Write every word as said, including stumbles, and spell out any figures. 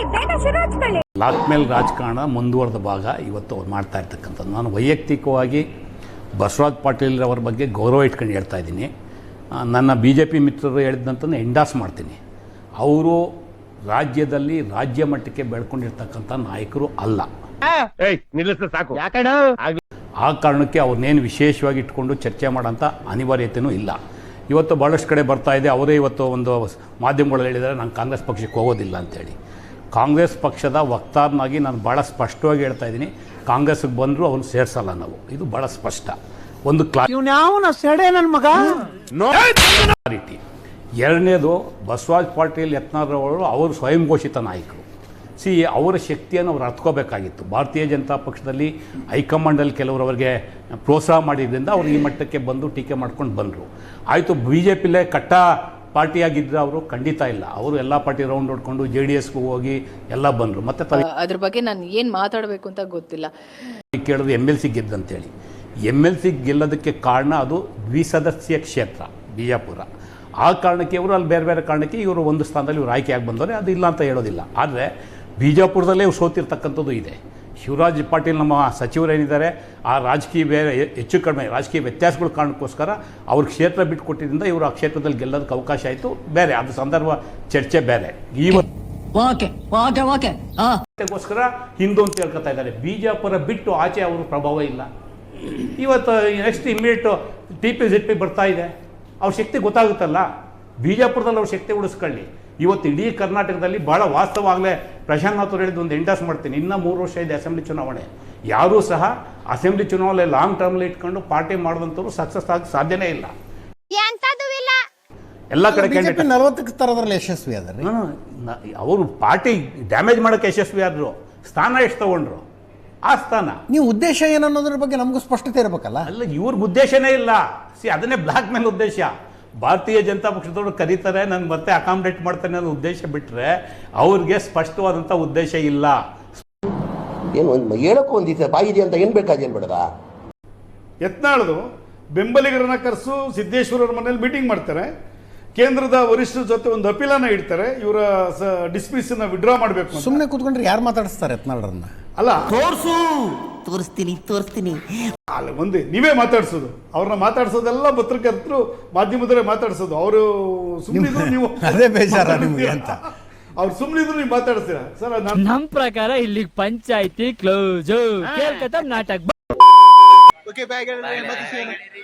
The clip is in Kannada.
ಲಾಕ್ ಮೇಲೆ ರಾಜಕಾರಣ ಮುಂದುವರೆದ ಭಾಗ ಇವತ್ತು ಅವ್ರು ಮಾಡ್ತಾ ಇರ್ತಕ್ಕಂಥದ್ದು. ನಾನು ವೈಯಕ್ತಿಕವಾಗಿ ಬಸವರಾಜ್ ಪಾಟೀಲ್ ಅವರ ಬಗ್ಗೆ ಗೌರವ ಇಟ್ಕೊಂಡು ಹೇಳ್ತಾ ಇದ್ದೀನಿ. ನನ್ನ ಬಿ ಜೆ ಪಿ ಮಿತ್ರರು ಹೇಳಿದಂತಂದು ಎಂಡಾಸ್ ಮಾಡ್ತೀನಿ. ಅವರು ರಾಜ್ಯದಲ್ಲಿ ರಾಜ್ಯ ಮಟ್ಟಕ್ಕೆ ಬೆಳ್ಕೊಂಡಿರ್ತಕ್ಕಂಥ ನಾಯಕರು ಅಲ್ಲ. ಸಾಕು. ಆ ಕಾರಣಕ್ಕೆ ಅವ್ರನ್ನೇನು ವಿಶೇಷವಾಗಿ ಇಟ್ಕೊಂಡು ಚರ್ಚೆ ಮಾಡೋಂಥ ಅನಿವಾರ್ಯತೆಯೂ ಇಲ್ಲ. ಇವತ್ತು ಭಾಳಷ್ಟು ಕಡೆ ಬರ್ತಾ ಇದೆ. ಅವರೇ ಇವತ್ತು ಒಂದು ಮಾಧ್ಯಮಗಳಲ್ಲಿ ಹೇಳಿದ್ದಾರೆ ನಾನು ಕಾಂಗ್ರೆಸ್ ಪಕ್ಷಕ್ಕೆ ಹೋಗೋದಿಲ್ಲ ಅಂತೇಳಿ. ಕಾಂಗ್ರೆಸ್ ಪಕ್ಷದ ವಕ್ತಾರನಾಗಿ ನಾನು ಭಾಳ ಸ್ಪಷ್ಟವಾಗಿ ಹೇಳ್ತಾ ಇದ್ದೀನಿ, ಕಾಂಗ್ರೆಸ್ಗೆ ಬಂದರೂ ಅವ್ನು ಸೇರಿಸಲ್ಲ ನಾವು. ಇದು ಭಾಳ ಸ್ಪಷ್ಟ. ಒಂದು ಕ್ಲಾರಿಟಿ. ಎರಡನೇದು, ಬಸವರಾಜ್ ಪಾಟೀಲ್ ಯತ್ನಾಳರವರು ಅವರು ಸ್ವಯಂ ಘೋಷಿತ ನಾಯಕರು. ಸಿ ಅವರ ಶಕ್ತಿಯನ್ನು ಅವ್ರು ಅರ್ಥಕೋಬೇಕಾಗಿತ್ತು. ಭಾರತೀಯ ಜನತಾ ಪಕ್ಷದಲ್ಲಿ ಹೈಕಮಾಂಡಲ್ಲಿ ಕೆಲವರು ಅವರಿಗೆ ಪ್ರೋತ್ಸಾಹ ಮಾಡಿದ್ರಿಂದ ಅವರು ಈ ಮಟ್ಟಕ್ಕೆ ಬಂದು ಟೀಕೆ ಮಾಡ್ಕೊಂಡು ಬಂದರು. ಆಯಿತು, ಬಿ ಜೆ ಪಿಲೇ ಕಟ್ಟ ಪಾರ್ಟಿಯಾಗಿದ್ದರೆ ಅವರು ಖಂಡಿತ ಇಲ್ಲ. ಅವರು ಎಲ್ಲ ಪಾರ್ಟಿ ರೌಂಡ್ ಹೊಡ್ಕೊಂಡು ಜೆ ಡಿ ಎಸ್ಗೂ ಹೋಗಿ ಎಲ್ಲ ಬಂದರು. ಮತ್ತೆ ಅದ್ರ ಬಗ್ಗೆ ನಾನು ಏನು ಮಾತಾಡಬೇಕು ಅಂತ ಗೊತ್ತಿಲ್ಲ. ಕೇಳಿದ್ರು ಎಮ್ ಎಲ್ ಸಿ ಗೆದ್ದಂತೇಳಿ. ಎಮ್ ಎಲ್ ಸಿ ಗೆಲ್ಲೋದಕ್ಕೆ ಕಾರಣ ಅದು ದ್ವಿಸದಸ್ಯ ಕ್ಷೇತ್ರ ಬಿಜಾಪುರ. ಆ ಕಾರಣಕ್ಕೆ ಇವರು ಅಲ್ಲಿ ಬೇರೆ ಬೇರೆ ಕಾರಣಕ್ಕೆ ಇವರು ಒಂದು ಸ್ಥಾನದಲ್ಲಿ ಇವರು ಆಯ್ಕೆಯಾಗಿ ಬಂದವರೆ, ಅದು ಇಲ್ಲ ಅಂತ ಹೇಳೋದಿಲ್ಲ. ಆದರೆ ಬಿಜಾಪುರದಲ್ಲೇ ಇವ್ರು ಸೋತಿರ್ತಕ್ಕಂಥದ್ದು ಇದೆ. ಶಿವರಾಜ್ ಪಾಟೀಲ್ ನಮ್ಮ ಸಚಿವರೇನಿದ್ದಾರೆ, ಆ ರಾಜಕೀಯ ಬೇರೆ ಹೆಚ್ಚು ಕಡಿಮೆ ರಾಜಕೀಯ ವ್ಯತ್ಯಾಸಗಳ ಕಾರಣಕ್ಕೋಸ್ಕರ ಅವ್ರ ಕ್ಷೇತ್ರ ಬಿಟ್ಟುಕೊಟ್ಟಿದ್ದರಿಂದ ಇವರು ಆ ಕ್ಷೇತ್ರದಲ್ಲಿ ಗೆಲ್ಲೋದಕ್ಕೆ ಅವಕಾಶ ಆಯಿತು. ಬೇರೆ ಅದು ಸಂದರ್ಭ ಚರ್ಚೆ ಬೇರೆ. ಇವತ್ತುಗೋಸ್ಕರ ಹಿಂದೂ ಅಂತ ಹೇಳ್ಕೊತಾ ಇದ್ದಾರೆ. ಬಿಜಾಪುರ ಬಿಟ್ಟು ಆಚೆ ಅವ್ರ ಪ್ರಭಾವ ಇಲ್ಲ. ಇವತ್ತು next immediate T P Z P ಬರ್ತಾ ಇದೆ. ಅವ್ರ ಶಕ್ತಿ ಗೊತ್ತಾಗುತ್ತಲ್ಲ. ಬಿಜಾಪುರದಲ್ಲಿ ಅವ್ರ ಶಕ್ತಿ ಉಳಿಸ್ಕೊಳ್ಳಿ. ಇವತ್ತು ಇಡೀ ಕರ್ನಾಟಕದಲ್ಲಿ ಭಾಳ ವಾಸ್ತವಾಗಲೇ ಪ್ರಶಾಂತ್ ಅವರು ಹೇಳಿದ್ದು ಒಂದು ಎಂಡಾಸ್ ಮಾಡ್ತೀನಿ. ಇನ್ನೂ ಮೂರು ವರ್ಷ ಇದೆ ಅಸೆಂಬ್ಲಿ ಚುನಾವಣೆ. ಯಾರೂ ಸಹ ಅಸೆಂಬ್ಲಿ ಚುನಾವಣೆ ಲಾಂಗ್ ಟರ್ಮ್ಲಿ ಇಟ್ಕೊಂಡು ಪಾರ್ಟಿ ಮಾಡಿದಂಥವ್ರು ಸಕ್ಸಸ್ ಆಗಿ ಸಾಧ್ಯನೇ ಇಲ್ಲ. ಎಲ್ಲ ಕಡೆ ನಲವತ್ತಕ್ಕೆ ತರೋದ್ರಲ್ಲಿ ಯಶಸ್ವಿ ಆದ್ರೆ ಅವರು ಪಾರ್ಟಿ ಡ್ಯಾಮೇಜ್ ಮಾಡೋಕ್ಕೆ ಯಶಸ್ವಿ ಆದರು. ಸ್ಥಾನ ಎಷ್ಟು ತಗೊಂಡ್ರು? ಆ ಸ್ಥಾನ. ನೀವು ಉದ್ದೇಶ ಏನನ್ನೋದ್ರ ಬಗ್ಗೆ ನಮಗೂ ಸ್ಪಷ್ಟತೆ ಇರಬೇಕಲ್ಲ. ಅಲ್ಲ, ಇವ್ರಿಗೆ ಉದ್ದೇಶನೇ ಇಲ್ಲ. ಸಿ ಅದನ್ನೇ ಬ್ಲಾಕ್ ಮೇಲ್ ಉದ್ದೇಶ. ಭಾರತೀಯ ಜನತಾ ಪಕ್ಷದವರು ಕರೀತಾರೆ, ನಾನು ಮತ್ತೆ ಅಕಾಮಿಡೇಟ್ ಮಾಡ್ತೇನೆ ಅನ್ನೋ ಉದ್ದೇಶ ಬಿಟ್ಟರೆ ಅವ್ರಿಗೆ ಸ್ಪಷ್ಟವಾದಂಥ ಉದ್ದೇಶ ಇಲ್ಲ. ಏನು ಹೇಳಕ್ಕೂ ಒಂದಿದೆ ಬಾಯಿದೆ ಅಂತ ಏನು ಬೇಕಾದೇನು ಬೇಡದ. ಯತ್ನಾಳದು ಬೆಂಬಲಿಗರನ್ನ ಕರೆಸು ಸಿದ್ದೇಶ್ವರರ ಮನೇಲಿ ಮೀಟಿಂಗ್ ಮಾಡ್ತಾರೆ. ಕೇಂದ್ರದ ವರಿಷ್ಠರ ಜೊತೆ ಒಂದು ಅಪೀಲನ್ನ ಇಡ್ತಾರೆ, ಇವರ ಡಿಸ್ಮಿಸ್ ಅನ್ನ ವಿಡ್ರಾ ಮಾಡಬೇಕು. ಸುಮ್ಮನೆ ಕೂತ್ಕೊಂಡ್ರೆ ಯಾರು ಮಾತಾಡಿಸ್ತಾರೆ ಯತ್ನಾಳರನ್ನ? ಅಲ್ಲ, ತೋರ್ಸು ತೋರಿಸ್ತೀನಿ ತೋರಿಸ್ತೀನಿ ಅಲ್ಲ, ಒಂದೇ ನೀವೇ ಮಾತಾಡ್ಸೋದು. ಅವ್ರನ್ನ ಮಾತಾಡ್ಸೋದೆಲ್ಲ ಪತ್ರಕರ್ತರು ಮಾಧ್ಯಮದವರೇ ಮಾತಾಡ್ಸೋದು. ಅವರು ಸುಮ್ಮನಿದ್ರು ನೀವು ಅದೇ ಬೇಜಾರ ನಿಮಗೆ ಅಂತ. ಅವ್ರು ಸುಮ್ಮನಿದ್ರು ನೀವು ಮಾತಾಡ್ತೀರಾ ಸರ್? ನಮ್ ಪ್ರಕಾರ ಇಲ್ಲಿ ಪಂಚಾಯತಿ ಕ್ಲೋಸ್. ನಾಟಕ